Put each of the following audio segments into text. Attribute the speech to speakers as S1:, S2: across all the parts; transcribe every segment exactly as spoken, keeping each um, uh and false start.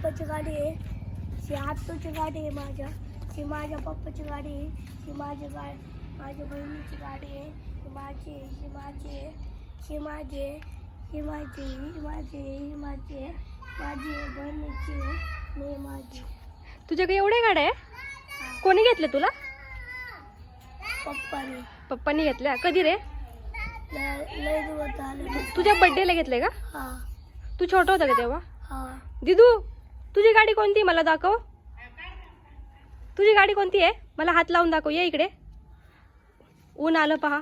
S1: पप्पाची गाडी आहे, ही आत्तूची गाडी आहे, माझ्या ही माझ्या पप्पाची गाडी आहे, ही माझी गाडी माझ्या बहिणीची गाडी आहे, ही माझी आहे, ही माझी आहे, ही माझी आहे, ही माझी ही माझी ही माझी आहे, माझी आहे, बहिणीची आहे, मी माझी.
S2: तुझ्याकडे एवढ्या गाड्या आहे? कोणी घेतले तुला?
S1: पप्पाने.
S2: पप्पानी घेतल्या? कधी रे?
S1: लय लय दिवस झाले.
S2: तुझ्या बर्थडेला घेतले का?
S1: हा
S2: तू छोटा होता का तेव्हा?
S1: हा.
S2: दिदू, तुझी गाडी कोणती मला दाखव. तुझी गाडी कोणती आहे? मला हात लावून दाखव. ये इकडे. ऊन आलं पहा.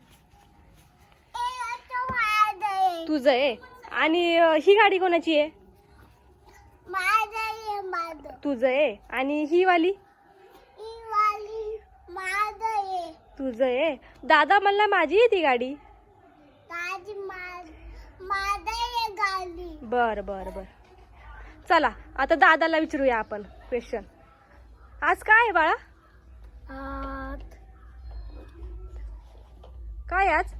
S2: तुझं आहे. आणि अं, ही गाडी कोणाची आहे? तुझं आहे. आणि ही वाली? तुझं आहे. दादा म्हणला माझी आहे ती गाडी. बर बर बर. चला आता दादाला विचारूया आपण क्वेश्चन. आज काय आहे बाळा?
S1: आत
S2: काय आज?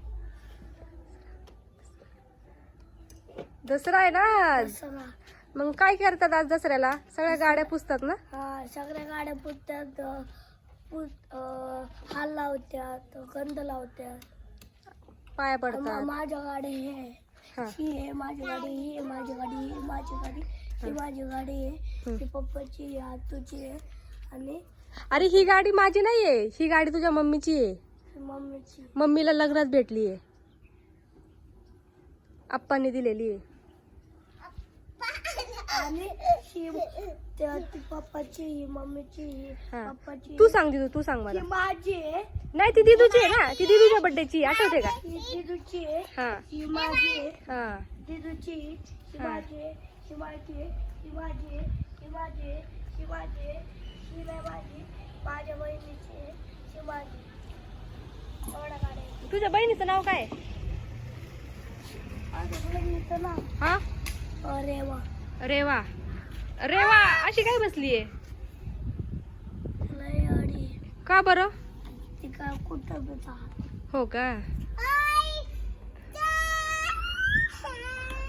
S2: दसरा आहे ना आज.
S1: दसरा.
S2: मग काय करतात आज दसऱ्याला? सगळ्या गाड्या पुसतात ना?
S1: हा सगळ्या गाड्या पुसतात, पुस हाल लावतात, गंध लावतात,
S2: पाया
S1: मा-
S2: पडतात.
S1: माझ्या गाडी हे
S2: हा.
S1: ही आहे माझी गाडी, ही आहे माझी गाडी, ही आहे माझी गाडी, ही माझी गाडी आहे,
S2: हम्म.
S1: ही पप्पाची आहे, आतूची आहे, आणि
S2: अरे ही गाडी माझी नाहीये, ही गाडी तुझ्या मम्मीची आहे.
S1: ही मम्मीची.
S2: मम्मीला लग्नात भेटली आहे, आप्पांनी दिलेली आहे.
S1: आणि ही त्या- ती पप्पाची, ही मम्मीची, ही
S2: हा.
S1: पप्पाची.
S2: तू सांग दिदू, तू सांग
S1: ही
S2: मला.
S1: माझी आहे,
S2: नाही ती दिदूची आहे ना, ती दिदूच्या बर्थडेची आठवते का?
S1: ही दिदूची आहे,
S2: हा
S1: ही माझी आहे,
S2: हा.
S1: दिदूची, ही
S2: हा.
S1: माझी आहे, ही माझी आहे, ही माझी आहे, ही माझी आहे, ही माझी आहे, ही नाही माझी, माझ्या बहिणीची आहे, ही माझी. एवढ्या गाड्या आहेत.
S2: तुझ्या बहिणीचं नाव काय?
S1: माझ्या बहिणीचं नाव
S2: हा
S1: रेवा.
S2: रेवा. रेवा अशी काय बसलीये?
S1: लय अडी.
S2: का बरं?
S1: ती काय कुठं बी जा.
S2: हो का?